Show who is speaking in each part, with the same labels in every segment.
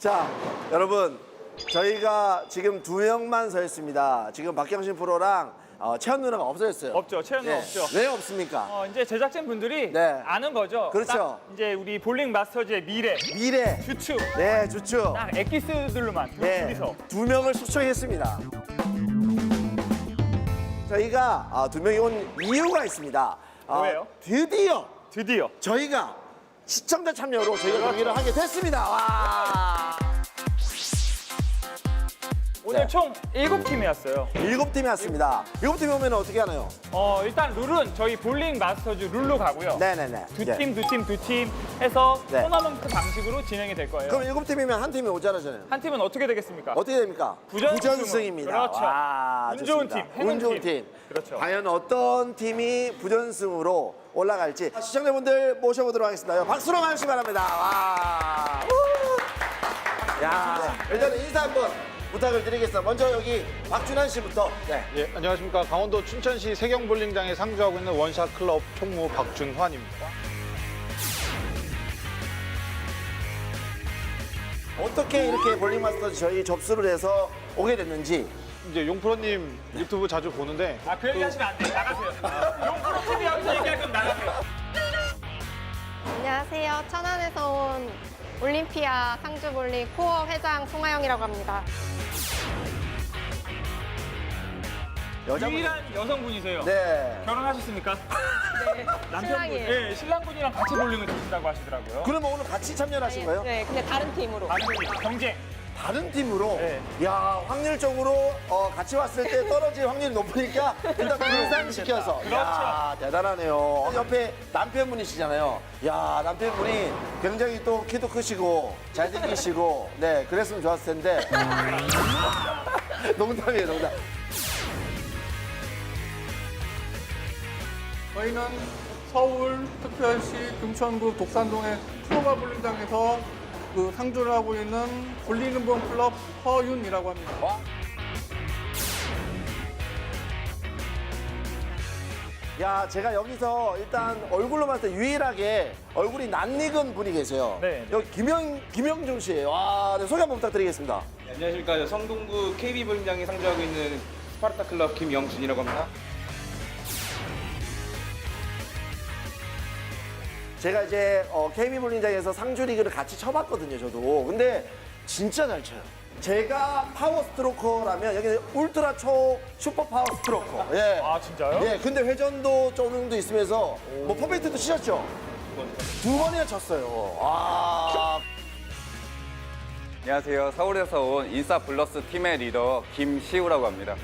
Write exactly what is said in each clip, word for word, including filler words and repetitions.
Speaker 1: 자, 여러분, 저희가 지금 두 명만 서 있습니다. 지금 박경신 프로랑 어, 채연 누나가 없어졌어요.
Speaker 2: 없죠. 채연 누나
Speaker 1: 네.
Speaker 2: 없죠.
Speaker 1: 왜 없습니까?
Speaker 2: 어, 이제 제작진 분들이
Speaker 1: 네.
Speaker 2: 아는 거죠.
Speaker 1: 그렇죠.
Speaker 2: 딱 이제 우리 볼링 마스터즈의 미래,
Speaker 1: 미래.
Speaker 2: 주축,
Speaker 1: 네, 좋죠.
Speaker 2: 딱 엑기스들로만 두-
Speaker 1: 네,
Speaker 2: 둘이서.
Speaker 1: 두 명을 초청했습니다. 저희가 아, 두 명이 온 이유가 있습니다. 아,
Speaker 2: 뭐예요?
Speaker 1: 드디어
Speaker 2: 드디어
Speaker 1: 저희가 시청자 참여로 저희가
Speaker 2: 그렇죠.
Speaker 1: 경기를 하게 됐습니다. 와.
Speaker 2: 오늘
Speaker 1: 네.
Speaker 2: 총 일곱 팀이었어요.
Speaker 1: 일곱 팀이 왔습니다. 일곱 팀이 오면 어떻게 하나요?
Speaker 2: 어, 일단 룰은 저희 볼링 마스터즈 룰로 가고요.
Speaker 1: 네네네.
Speaker 2: 두
Speaker 1: 네.
Speaker 2: 팀, 두 팀, 두 팀 해서
Speaker 1: 네.
Speaker 2: 토너먼트 방식으로 진행이 될 거예요.
Speaker 1: 그럼 일곱 팀이면 한 팀이 오잖아요.
Speaker 2: 한 팀은 어떻게 되겠습니까?
Speaker 1: 어떻게 됩니까?
Speaker 2: 부전승.
Speaker 1: 입니다
Speaker 2: 그렇죠. 운 좋은 팀, 행운
Speaker 1: 운 좋은
Speaker 2: 팀.
Speaker 1: 팀.
Speaker 2: 그렇죠.
Speaker 1: 과연 어떤 팀이 부전승으로 올라갈지 시청자분들 모셔보도록 하겠습니다. 박수로 맞으시기 바랍니다. 와. 우! 야, 일단은 인사 한번 부탁을 드리겠습니다. 먼저 여기 박준환 씨부터. 네.
Speaker 3: 예, 안녕하십니까. 강원도 춘천시 세경볼링장에 상주하고 있는 원샷 클럽 총무 박준환입니다.
Speaker 1: 어떻게 이렇게 볼링 마스터즈 저희 접수를 해서 오게 됐는지.
Speaker 3: 이제 용프로님 유튜브 자주 보는데
Speaker 2: 아, 그 얘기 하시면 안 돼요. 나가세요. 용프로 티비 여기서 얘기할 거면 나가세요.
Speaker 4: 안녕하세요. 천안에서 온 올림피아 상주볼링 코어 회장 송하영이라고 합니다.
Speaker 1: 여자분.
Speaker 2: 유일한 여성분이세요.
Speaker 1: 네.
Speaker 2: 결혼하셨습니까?
Speaker 4: 네,
Speaker 2: 남편분.
Speaker 4: 신랑이에요.
Speaker 2: 네, 신랑분이랑 같이 볼링을 치신다고 하시더라고요.
Speaker 1: 그러면 오늘 같이 참여를 하신 거예요?
Speaker 4: 네, 근데 다른 팀으로.
Speaker 2: 다른 팀, 경쟁.
Speaker 1: 다른 팀으로?
Speaker 2: 네.
Speaker 1: 야, 확률적으로 어, 같이 왔을 때 떨어질 확률이 높으니까 일단 분산시켜서.
Speaker 2: 그렇죠.
Speaker 1: 야, 대단하네요. 옆에 남편분이시잖아요. 야, 남편분이 굉장히 또 키도 크시고 잘생기시고 네, 그랬으면 좋았을 텐데. 농담이에요, 농담.
Speaker 5: 저희는 서울 특별시 금천구 독산동의 프로바 볼링장에서 그 상주를 하고 있는 볼링은본 클럽 허윤이라고 합니다.
Speaker 1: 야, 제가 여기서 일단 얼굴로 봤을 때 유일하게 얼굴이 낯익은 분이 계세요.
Speaker 2: 네.
Speaker 1: 여기 김영, 김영중 씨예요. 와, 네, 소개 한번 부탁드리겠습니다.
Speaker 6: 네, 안녕하십니까. 성동구 케이비 볼링장에 상주하고 있는 스파르타 클럽 김영준이라고 합니다.
Speaker 1: 제가 이제 어, 케이비 볼링장에서 상주 리그를 같이 쳐봤거든요, 저도. 근데 진짜 잘 쳐요. 제가 파워 스트로커라면 여기는 울트라 초 슈퍼 파워 스트로커. 예.
Speaker 2: 아, 진짜요?
Speaker 1: 예, 근데 회전도 조금도 있으면서 뭐 퍼펙트도 치셨죠? 두 번이나 쳤어요. 아.
Speaker 7: 안녕하세요. 서울에서 온 인싸 블러스 팀의 리더 김시우라고 합니다.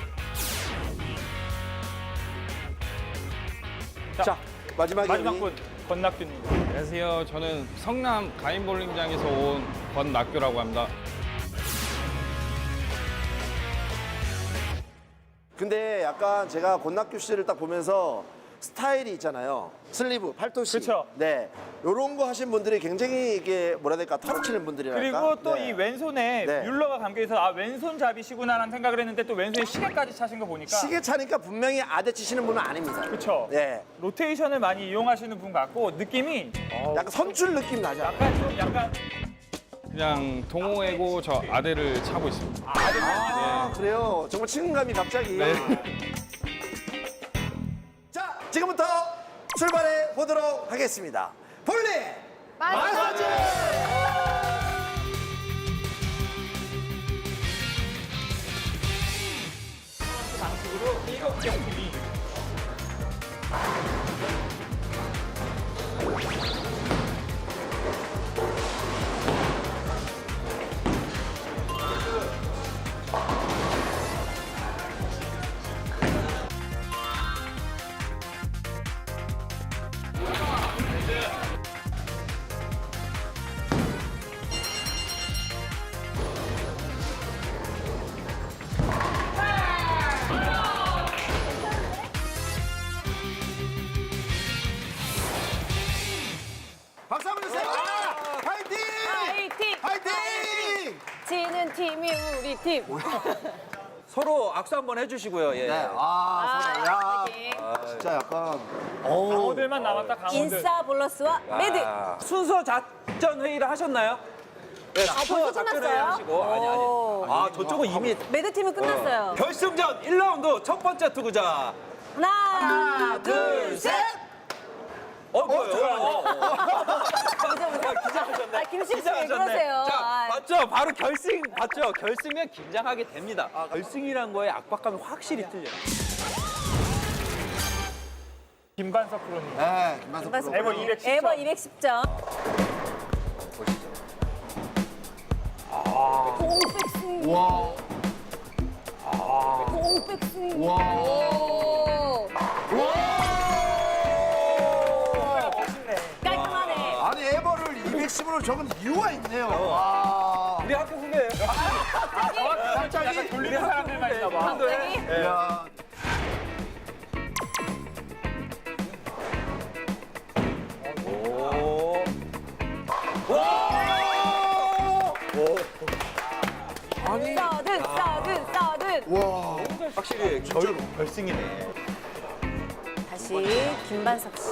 Speaker 1: 자, 마지막에
Speaker 2: 마지막
Speaker 1: 우리
Speaker 2: 분, 권낙규님.
Speaker 8: 안녕하세요. 저는 성남 가인볼링장에서 온 권낙규라고 합니다.
Speaker 1: 근데 약간 제가 권낙규 씨를 딱 보면서 스타일이 있잖아요. 슬리브, 팔토시.
Speaker 2: 그쵸.
Speaker 1: 네. 요런 거 하신 분들이 굉장히 이게 뭐라 해야 될까? 털어치는 분들이랄까?
Speaker 2: 그리고 또 이
Speaker 1: 네.
Speaker 2: 왼손에
Speaker 1: 네.
Speaker 2: 뮬러가 감겨있어서 아, 왼손잡이시구나라는 생각을 했는데 또 왼손에 시계까지 차신 거 보니까.
Speaker 1: 시계 차니까 분명히 아대 치시는 분은 아닙니다.
Speaker 2: 그쵸.
Speaker 1: 네.
Speaker 2: 로테이션을 많이 이용하시는 분 같고 느낌이
Speaker 1: 약간 선출 느낌 나죠?
Speaker 2: 약간 좀 약간
Speaker 8: 그냥 동호회고 저 아대를 차고 있습니다.
Speaker 1: 아, 그래요? 정말 친근감이 갑자기.
Speaker 8: 네.
Speaker 1: 자, 지금부터 출발해 보도록 하겠습니다. 볼링! 마사지!
Speaker 2: 방식으로 일곱 개 팀이
Speaker 1: 박수 한번 주세요! 파이팅!
Speaker 4: 파이팅!
Speaker 1: 파이팅!
Speaker 4: 지는 팀이 우리 팀.
Speaker 6: 서로 악수 한번 해주시고요. 예.
Speaker 1: 네, 아, 서로, 야,
Speaker 4: 파이팅.
Speaker 1: 진짜 약간. 어우.
Speaker 2: 강호들만 남았다 강호들.
Speaker 4: 인싸 볼러스와 매드.
Speaker 6: 순서 작전 회의를 하셨나요?
Speaker 9: 네,
Speaker 10: 아, 벌써 끝났어요?
Speaker 9: 하시고. 아니, 아니. 아, 저쪽은 이미
Speaker 10: 매드팀은 끝났어요.
Speaker 9: 결승전 일 라운드 첫 번째 투구자.
Speaker 10: 하나,
Speaker 1: 둘, 셋.
Speaker 9: 어, 뭐요?
Speaker 10: 아, 김식 씨 왜 그러세요?
Speaker 9: 자,
Speaker 10: 아,
Speaker 9: 봤죠? 바로 결승, 봤죠? 결승면 긴장하게 됩니다. 결승이란 거에 압박감이 확실히 틀려요.
Speaker 2: 김반석 프로님.
Speaker 1: 네, 김만석
Speaker 10: 김만석
Speaker 1: 프로.
Speaker 2: 에버 이백십 점.
Speaker 10: 에버 이백십 점. 공 백스윙.
Speaker 1: 와.
Speaker 10: 공 백스윙.
Speaker 1: 와.
Speaker 10: 오. 깔끔하네.
Speaker 1: 아니 에버를 이백십으로 적은 이유가 있네요. 와.
Speaker 9: 우리 학교 후배예요.
Speaker 1: 갑자기
Speaker 2: 돌리는 사람들만 있나 봐.
Speaker 10: 갑자기?
Speaker 1: 야.
Speaker 9: 오.
Speaker 10: 서든, 서든, 서든.
Speaker 1: 와.
Speaker 9: 확실히 결, 결승이네.
Speaker 10: 다시 김반석 씨.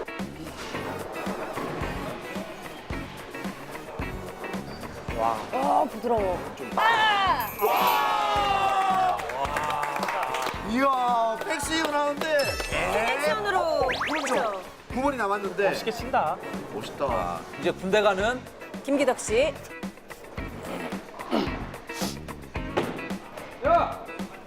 Speaker 10: 와. 어, 부드러워. 아!
Speaker 1: 이야, 백스윙을 하는데
Speaker 10: 액션으로.
Speaker 1: 그렇죠. 구 번이 남았는데
Speaker 2: 멋있게 친다.
Speaker 1: 멋있다.
Speaker 9: 이제 군대 가는
Speaker 10: 김기덕 씨.
Speaker 9: 야!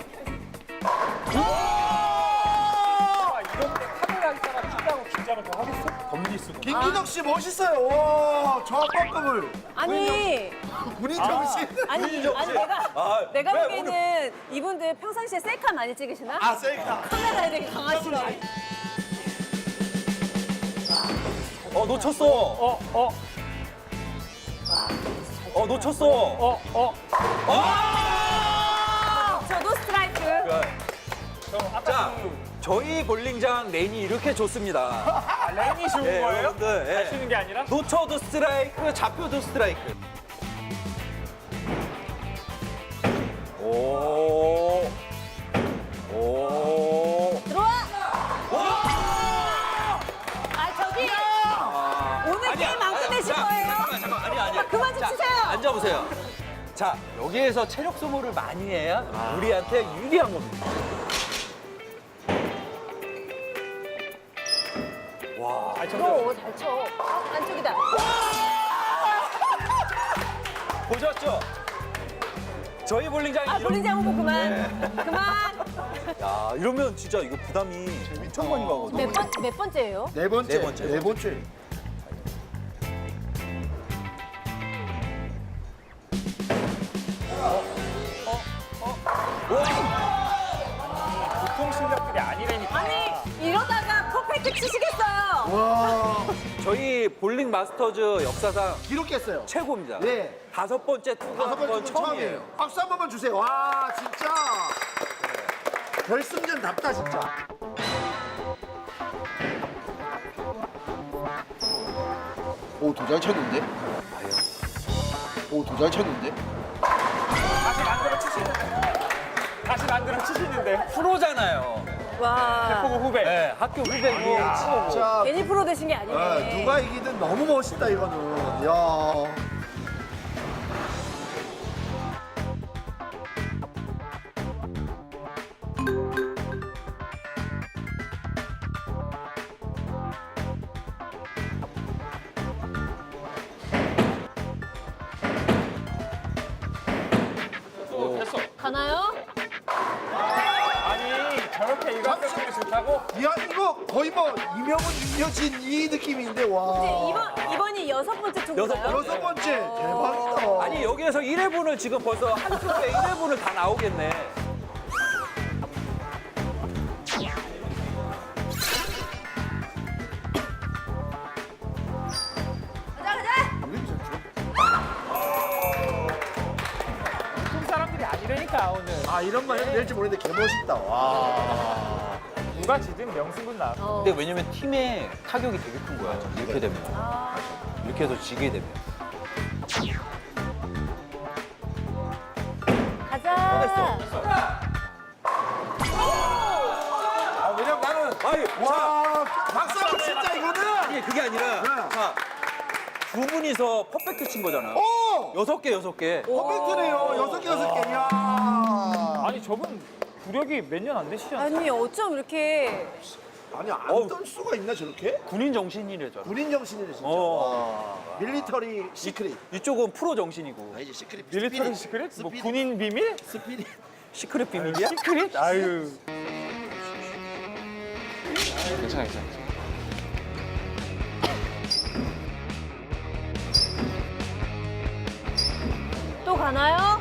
Speaker 2: 아, 이런 때 카메라 있다가 친다고 긴장을 더 하겠어? 범리 수고.
Speaker 1: 김기덕 씨 멋있어요. 와, 저압법급을
Speaker 10: 아니,
Speaker 1: 군인 정신.
Speaker 10: 아니, 아니 내가
Speaker 9: 아,
Speaker 10: 내가
Speaker 9: 왜
Speaker 10: 보기에는 이분들 평상시에 셀카 많이 찍으시나?
Speaker 1: 아, 셀카.
Speaker 10: 카메라에 되게 강하시네.
Speaker 9: 어, 놓쳤어.
Speaker 2: 어, 어,
Speaker 9: 어, 놓쳤어.
Speaker 2: 어, 어.
Speaker 10: 저도 스트라이크.
Speaker 2: 저 아까
Speaker 9: 자,
Speaker 2: 그
Speaker 9: 저희 볼링장 레인이 이렇게 좋습니다.
Speaker 2: 아, 렌이 좋은
Speaker 9: 예,
Speaker 2: 거예요?
Speaker 9: 여러분들, 예.
Speaker 2: 잘 치는 게 아니라?
Speaker 9: 놓쳐도 스트라이크, 잡혀도 스트라이크. 오. 오.
Speaker 10: 들어와. 아 저기 오늘
Speaker 9: 아니야,
Speaker 10: 게임 안
Speaker 9: 아니야.
Speaker 10: 끝내실
Speaker 9: 자,
Speaker 10: 거예요?
Speaker 9: 잠깐만, 잠깐만. 아니, 아니.
Speaker 10: 아, 그만 좀
Speaker 9: 자,
Speaker 10: 치세요.
Speaker 9: 앉아보세요. 자, 여기에서 체력 소모를 많이 해야 우리한테 유리한 겁니다.
Speaker 2: 아, 저
Speaker 10: 오, 잘 쳐. 안쪽이다.
Speaker 9: 보셨죠? 저희 볼링장이
Speaker 10: 아
Speaker 9: 이런.
Speaker 10: 볼링장 후보 그만. 그만.
Speaker 9: 야, 이러면 진짜 이거 부담이 엄청 많이 가거든.
Speaker 10: 몇 번 몇 번째예요?
Speaker 1: 네 번째.
Speaker 9: 네 번째.
Speaker 1: 네 번째.
Speaker 2: 보통 실력들이 아니라니까.
Speaker 10: 아니 이러다가 퍼펙트 치시겠어요.
Speaker 1: 와,
Speaker 9: 저희 볼링 마스터즈 역사상
Speaker 1: 기록했어요.
Speaker 9: 최고입니다.
Speaker 1: 네.
Speaker 9: 다섯 번째 투구
Speaker 1: 다섯
Speaker 9: 한건
Speaker 1: 번째 처음이에요. 박수 한 번만 주세요. 와, 진짜. 결승전답다 진짜. 오, 더 잘 쳤는데? 오, 더 잘 쳤는데?
Speaker 2: 다시 만들어 치시는데. 다시 만들어 치시는데.
Speaker 9: 프로잖아요.
Speaker 10: 와.
Speaker 2: 보고 후배.
Speaker 9: 네, 학교 후배고.
Speaker 1: 진짜
Speaker 10: 괜히 프로 되신 게 아니네.
Speaker 1: 아, 누가 이기든 너무 멋있다 이거는. 야.
Speaker 10: 가나요?
Speaker 2: 아니, 저렇게 일관성이 좋다고?
Speaker 1: 야, 이거 거의 뭐 이명훈, 윤여진 이 느낌인데 와.
Speaker 10: 이제 이번 이번이 여섯 번째 투구인가요?
Speaker 9: 여섯
Speaker 1: 여섯 번째 대박이다.
Speaker 9: 아니, 여기에서 일 회분을 지금 벌써 한 투에 일 회분을 다 나오겠네.
Speaker 10: 가자 가자.
Speaker 2: 보통 사람들이 아니라니까, 오늘.
Speaker 1: 아, 이런 말 해도 될지 모르겠는데 개멋있다. 와.
Speaker 2: 누가 지든 명승군 나.
Speaker 9: 근데 왜냐면 팀의 타격이 되게 큰 거야. 이렇게 되면. 이렇게 해서 지게 되면.
Speaker 10: 가자.
Speaker 1: 아, 왜냐면 나는
Speaker 9: 아니,
Speaker 1: 와, 박수 한번 진짜 이거는.
Speaker 9: 아니, 그게 아니라.
Speaker 1: 네.
Speaker 9: 자, 두 분이서 퍼펙트 친 거잖아.
Speaker 1: 오!
Speaker 9: 여섯 개 여섯 개.
Speaker 1: 퍼펙트네요. 여섯 개 여섯 개. 이야.
Speaker 2: 아니 저분 구력이 몇 년 안 되시지 않아요?
Speaker 10: 아니 어쩜 이렇게
Speaker 1: 아니 안
Speaker 9: 어우.
Speaker 1: 뜰 수가 있나 저렇게?
Speaker 9: 군인 정신이래 저.
Speaker 1: 군인 정신이네 진짜.
Speaker 9: 어.
Speaker 1: 와. 밀리터리 시크릿.
Speaker 9: 이쪽은 프로 정신이고.
Speaker 1: 아 이제 시크릿.
Speaker 2: 밀리터리
Speaker 1: 스피릿.
Speaker 2: 시크릿? 뭐
Speaker 1: 스피릿.
Speaker 2: 군인 비밀?
Speaker 1: 스피릿.
Speaker 9: 시크릿 비밀이야?
Speaker 2: 시크릿? 아유.
Speaker 7: 괜찮아, 괜찮아.
Speaker 10: 또 가나요?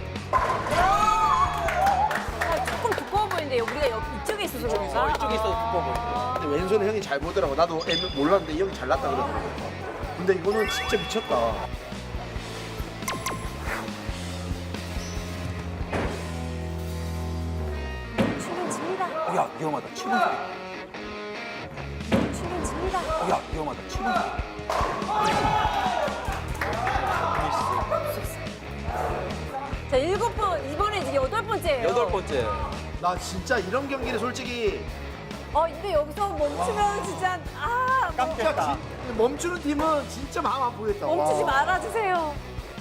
Speaker 10: 아, 조금 두꺼워 보이는데 우리가 옆 이쪽에 있어서 그런가?
Speaker 9: 이쪽에 있어도 두꺼워 보여.
Speaker 1: 근데 왼손에 형이 잘 보더라고. 나도 애매- 몰랐는데 이 형이 잘났다 그러더라고. 근데 이거는 진짜 미쳤다.
Speaker 10: 치긴 칩니다.
Speaker 9: 어, 야 위험하다. 치는 소리.
Speaker 10: 치긴 칩니다.
Speaker 9: 어, 야 위험하다. 치는 소리.
Speaker 10: 자 일곱 번 이번에 이제 여덟 번째예요.
Speaker 9: 여덟 번째.
Speaker 1: 나 진짜 이런 경기를 솔직히
Speaker 10: 어 근데 여기서 멈추면 진짜 아 뭐,
Speaker 1: 진짜 진- 멈추는 팀은 진짜 마음 아프겠다.
Speaker 10: 멈추지
Speaker 1: 와.
Speaker 10: 말아주세요.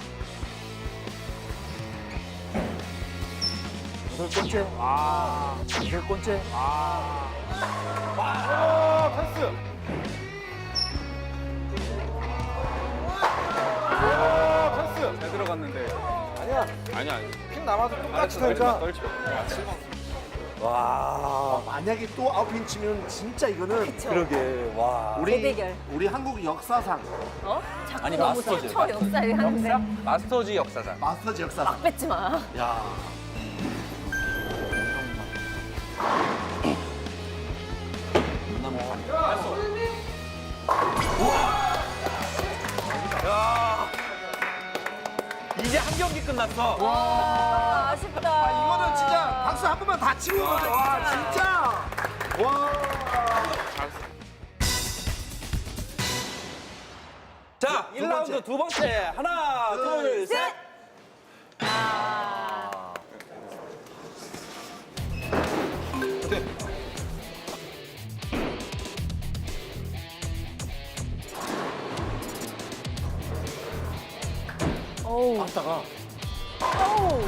Speaker 9: 여덟 번째. 아. 여덟 번째.
Speaker 7: 잘 들어갔는데.
Speaker 1: 아니야.
Speaker 7: 아니야, 아니야.
Speaker 1: 핀 남아도 똑같이
Speaker 7: 떨지 마,
Speaker 1: 살자.
Speaker 7: 떨지 마.
Speaker 1: 와. 만약에 또 아웃핀 치면 진짜 이거는
Speaker 10: 그쵸?
Speaker 9: 그러게. 와.
Speaker 1: 우리
Speaker 10: 대대결.
Speaker 1: 우리 한국 역사상
Speaker 10: 어? 자꾸
Speaker 9: 아니,
Speaker 10: 너무
Speaker 9: 마스터즈,
Speaker 10: 쳐 역사를 하는데
Speaker 7: 마스터즈 역사상.
Speaker 1: 마스터즈 역사상.
Speaker 10: 막 뱉지 마.
Speaker 1: 야.
Speaker 9: 이제 한 경기 끝났어.
Speaker 10: 와 아쉽다.
Speaker 1: 이거는 진짜 박수 한 번만 다 치고 가죠. 와 진짜. 와.
Speaker 9: 자, 일 라운드 두 번째. 하나, 둘, 셋.
Speaker 10: 어우.
Speaker 1: 박사가
Speaker 10: 어우.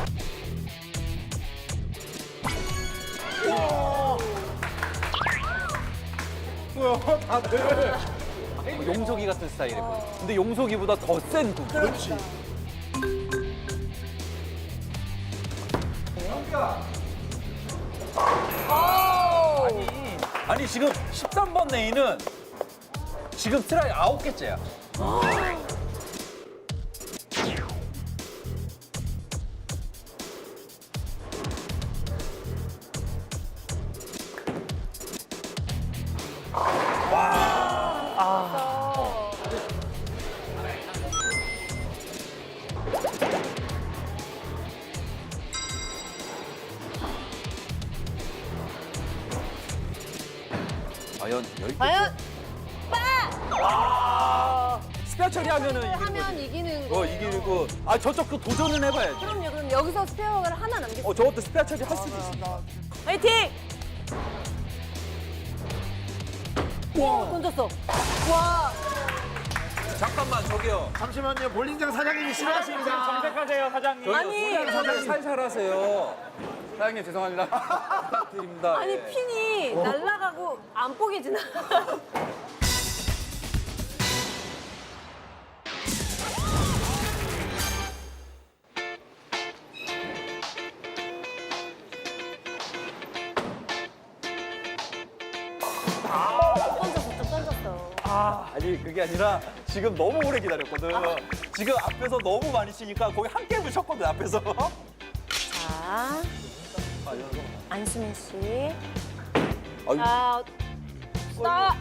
Speaker 9: 용석이 같은 스타일이거든. 근데 용석이보다 더 센 군.
Speaker 1: 그렇지.
Speaker 10: 어우.
Speaker 9: 아니 지금 십삼 번 레인은 지금 트라이 아홉 개째야. 과연 열 개?
Speaker 10: 과연 빠!
Speaker 9: 스페어 처리하면은 이기는
Speaker 10: 하면
Speaker 9: 거지.
Speaker 10: 이기는 거.
Speaker 9: 어 이기고 아 저쪽 그 도전은 해봐야지.
Speaker 10: 그럼요. 그럼 여기서 스페어를 하나 남겼어.
Speaker 9: 어 저것도 스페어 처리 할 수도 있어.
Speaker 10: 화이팅! 와 던졌어. 와.
Speaker 9: 잠깐만 저기요.
Speaker 1: 잠시만요. 볼링장 사장님이 싫어하십니다.
Speaker 2: 정색하세요 사장님.
Speaker 10: 아니
Speaker 9: 사장님 살살 하세요.
Speaker 7: 사장님 죄송합니다.
Speaker 9: 부탁드립니다.
Speaker 10: 아니
Speaker 9: 예.
Speaker 10: 핀이 날아가고 안 뽀개지나? 던졌어, 좀 던졌어.
Speaker 9: 아니 그게 아니라 지금 너무 오래 기다렸거든. 지금 앞에서 너무 많이 치니까 거의 한 게임을 쳤거든 앞에서.
Speaker 10: 자, 안수민 씨.
Speaker 9: 아유.
Speaker 10: 자, 스탑.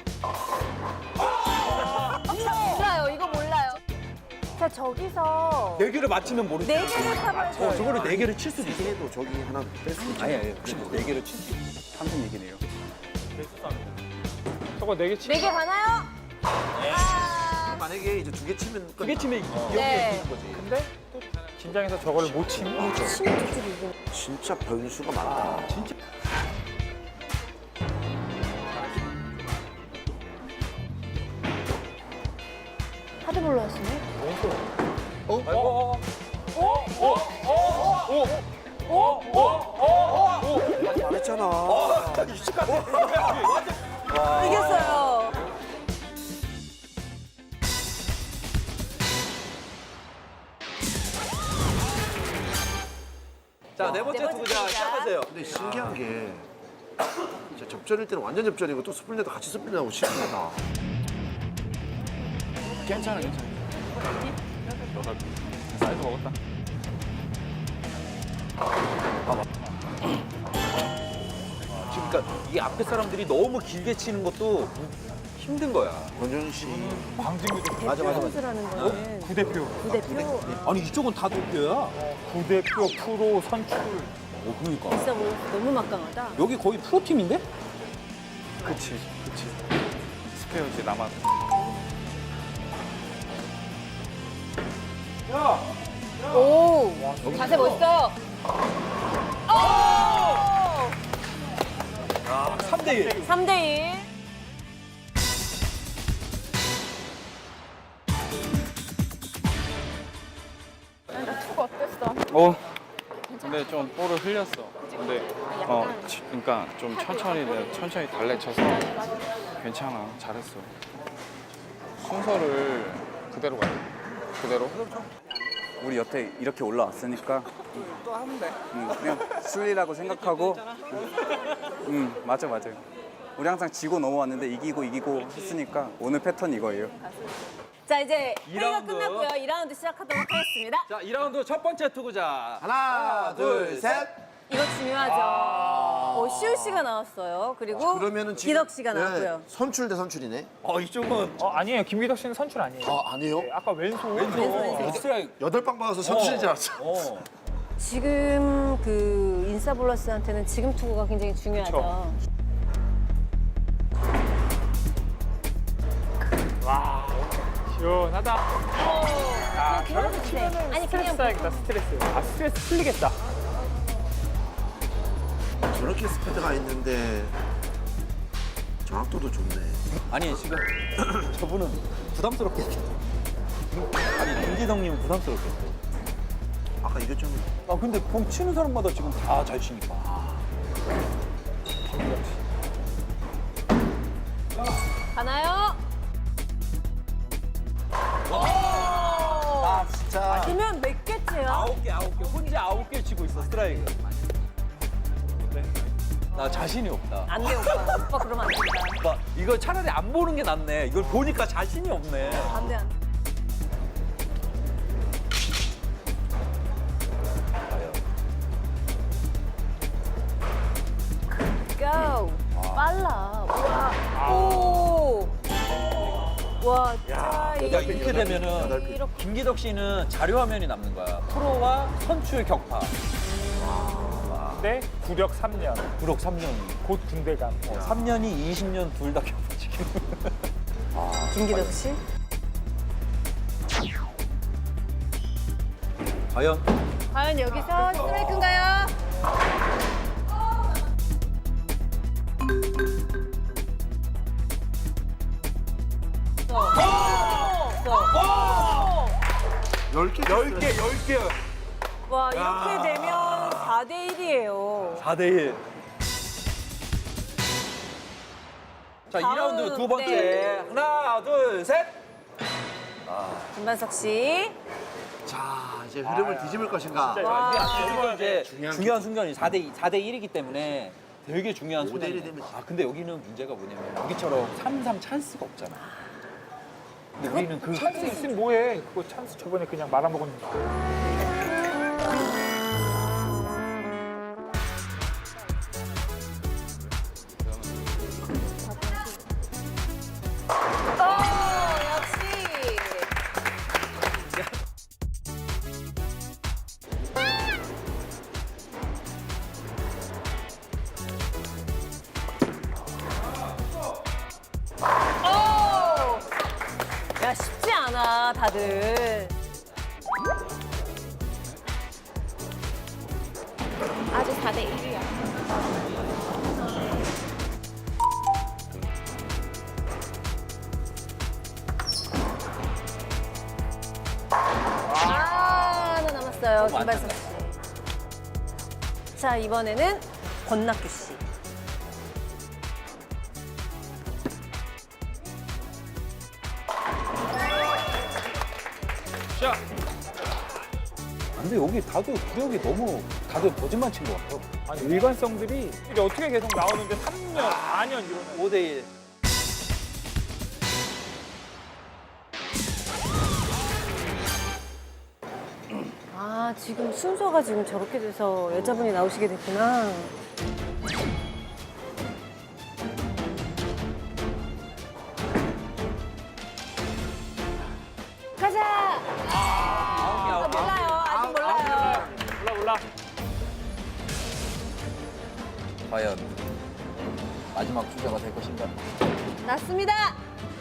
Speaker 10: 이거 몰라요, 이거 몰라요. 자, 저기서
Speaker 9: 네 개를 맞히면 모르지.
Speaker 10: 네 개를 타봐야
Speaker 9: 어, 저거를 네 개를 칠 수도 있어.
Speaker 1: 해도 저기 하나 뺄 수 있죠.
Speaker 9: 아니 아니 혹시 네 개를 칠 수 있어.
Speaker 7: 삼성 얘기네요.
Speaker 2: 저거 네개 치.
Speaker 10: 네 개 가나요? 아,
Speaker 1: 만약에 이제 두 개 치면
Speaker 9: 두 개 치면 여기에
Speaker 10: 네.
Speaker 9: 이기는 거지.
Speaker 2: 근데 또 긴장해서 저걸 못 치면
Speaker 10: 심지어 이기는.
Speaker 1: 진짜 변수가 많다.
Speaker 9: 진짜.
Speaker 10: 하드볼러였으네.
Speaker 1: 어?
Speaker 9: 어,
Speaker 1: 잘했잖아.
Speaker 10: 이겼어요.
Speaker 9: 자, 네 번째
Speaker 10: 네 번째
Speaker 9: 투구자
Speaker 10: 투구자.
Speaker 9: 시작하세요.
Speaker 1: 근데 신기한 게 진짜 접전일 때는 완전 접전이고 또 스플릿도 같이 스플릿하고 신기하다.
Speaker 7: 괜찮아, 괜찮아. 사이즈 먹었다.
Speaker 9: 지금 그러니까 이 앞에 사람들이 너무 길게 치는 것도 힘든 거야.
Speaker 1: 권정 씨.
Speaker 2: 광진구도
Speaker 1: 맞아, 맞아, 맞아.
Speaker 10: 선수라는 거는
Speaker 2: 부대표.
Speaker 10: 부대표.
Speaker 9: 아니 이쪽은 다 도표야.
Speaker 2: 부대표, 프로, 선출.
Speaker 9: 어, 그러니까.
Speaker 10: 진짜 뭐 너무 막강하다.
Speaker 9: 여기 거의 프로팀인데?
Speaker 7: 그치, 그치. 스페어지 남았.
Speaker 10: 오, 자세 멋있어.
Speaker 9: 삼 대 일.
Speaker 10: 삼 대 일.
Speaker 7: 어. 근데 좀 볼을 흘렸어. 근데 어, 치- 그러니까 좀 천천히 내가 천천히 달래쳐서 괜찮아. 잘했어. 순서를 그대로 가야 돼. 그대로. 우리 여태 이렇게 올라왔으니까 또 하면 돼. 응, 그냥 순리라고 생각하고. 응, 맞아, 맞아. 우리 항상 지고 넘어왔는데 이기고 이기고 했으니까 오늘 패턴 이거예요.
Speaker 10: 자, 이제
Speaker 9: 이
Speaker 10: 회의가
Speaker 9: 라운드.
Speaker 10: 끝났고요. 이 라운드 시작하도록 하겠습니다.
Speaker 9: 자, 이 라운드 첫 번째 투구자.
Speaker 1: 하나, 둘, 셋.
Speaker 10: 이거 중요하죠. 어, 시우 씨가 나왔어요. 그리고
Speaker 1: 그러면은 지금
Speaker 10: 기덕 씨가
Speaker 1: 네,
Speaker 10: 나왔고요.
Speaker 1: 선출 대 선출이네.
Speaker 9: 어, 이쪽은
Speaker 2: 어, 아니에요. 김기덕 씨는 선출 아니에요.
Speaker 1: 아, 아니에요?
Speaker 2: 네, 아까 왼손.
Speaker 10: 왼손, 왼손.
Speaker 9: 스트라이크.
Speaker 1: 여덟 방 박아서 선출인 줄 알았어.
Speaker 9: 어.
Speaker 10: 지금 그 인싸블러스한테는 지금 투구가 굉장히 중요하죠.
Speaker 2: 와, 시원하다.
Speaker 10: 아, 저렇게 치면은 아니
Speaker 2: 스트레스
Speaker 10: 그냥
Speaker 2: 쌓이겠다, 스트레스. 아, 스트레스 풀리겠다.
Speaker 1: 저렇게 스피드가 있는데 정확도도 좋네.
Speaker 9: 아니 지금 저분은 부담스럽겠다. 아니 김기덕님은 부담스럽겠다.
Speaker 1: 아까 이게 좀
Speaker 9: 아 근데 공 치는 사람마다 지금 다 잘 치니까.
Speaker 10: 가나요?
Speaker 1: 아, 진짜.
Speaker 10: 그러면 몇 개째요?
Speaker 9: 아홉 개 아홉 개 혼자 아홉 개 치고 있어 스트라이크. 나 자신이 없다.
Speaker 10: 안 돼, 오빠. 오빠 그러면 안 된다.
Speaker 9: 오빠 이거 차라리 안 보는 게 낫네. 이걸 보니까 자신이 없네.
Speaker 10: 안 돼, 안 돼. 고! 빨라. 와. 오! 와, 자,
Speaker 9: 야 이렇게 되면은
Speaker 10: 이렇게.
Speaker 9: 김기덕 씨는 자료 화면이 남는 거야. 프로와 선출 격파.
Speaker 2: 네, 구력 삼 년.
Speaker 9: 구력 삼 년.
Speaker 2: 곧 군대 감.
Speaker 9: 어, 삼 년이 이십 년 둘 다 격파 지금.
Speaker 10: 김기덕 씨?
Speaker 9: 과연?
Speaker 10: 과연 여기서 스트라이크인가요?
Speaker 1: 열 개.
Speaker 9: 열 개, 열 개.
Speaker 10: 와, 이렇게 되면 사 대 일이에요.
Speaker 9: 사 대 일. 자,
Speaker 10: 다음,
Speaker 9: 이 라운드 두 번째.
Speaker 10: 네.
Speaker 9: 하나, 둘, 셋.
Speaker 10: 김반석 씨.
Speaker 1: 자, 이제 흐름을 뒤집을 것인가.
Speaker 10: 와.
Speaker 9: 이거 이제
Speaker 1: 중요한
Speaker 9: 중요한 순간이 사 대 이, 사 대 일이기 때문에 되게 중요한
Speaker 1: 오 대 일이
Speaker 9: 순간이에요.
Speaker 1: 되면
Speaker 9: 아, 근데 여기는 문제가 뭐냐면 여기처럼 삼 삼 찬스가 없잖아. 근데 우리는 그
Speaker 2: 찬스 있으면 뭐해? 그거 찬스 저번에 그냥 말아먹었는데.
Speaker 10: 오, 역시. 오! 야, 쉽지 않아, 다들.
Speaker 4: 아주 사 대 일이야.
Speaker 10: 아, 안발석 씨. 자, 이번에는 권낙규 씨.
Speaker 8: 자,
Speaker 9: 근데 여기 다들 구력이 너무 다들 거짓말 친 것 같아요.
Speaker 2: 아니, 일관성들이 이게 어떻게 계속 나오는데 삼 년, 사 년 이러면.
Speaker 9: 오 대 일.
Speaker 10: 아, 지금 순서가 지금 저렇게 돼서 여자분이 나오시게 됐구나. 가자! 아, 몰라요. 아직 몰라요.
Speaker 2: 몰라, 몰라.
Speaker 9: 과연 마지막 주자가 될 것인가?
Speaker 10: 났습니다.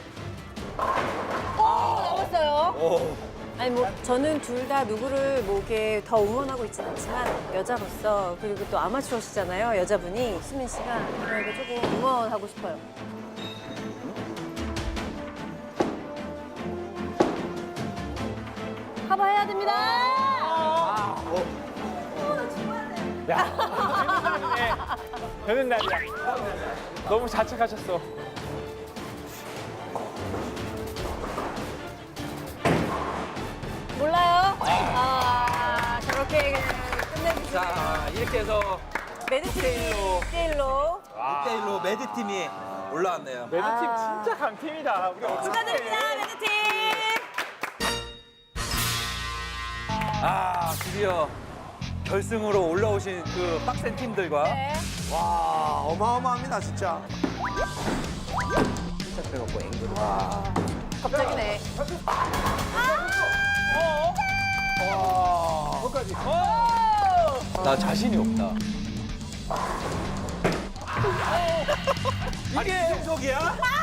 Speaker 10: 오, 남았어요. 아니 뭐 저는 둘 다 누구를 뭐 이렇게 더 응원하고 있진 않지만 여자로서 그리고 또 아마추어시잖아요, 여자분이 수민 씨가 그러니까 조금 응원하고 싶어요. 커버해야 됩니다.
Speaker 2: 야, 되는 날이네. 되는 날이야. 너무 자책하셨어.
Speaker 10: 몰라요? 아, 저렇게 그냥 끝내주시네.
Speaker 9: 자, 이렇게 해서
Speaker 10: 매드팀이 일 대 일로
Speaker 9: 일 대 일로 매드팀이 올라왔네요.
Speaker 2: 매드팀
Speaker 10: 아.
Speaker 2: 진짜 강팀이다. 우리 어떡해.
Speaker 10: 축하드립니다, 매드팀.
Speaker 9: 아, 드디어 결승으로 올라오신 그 빡센 팀들과
Speaker 10: 네.
Speaker 1: 와, 어마어마합니다, 진짜.
Speaker 9: 시작돼갖고 앵글을.
Speaker 10: 갑자기네.
Speaker 9: 나 자신이 없다. 이게 속이야?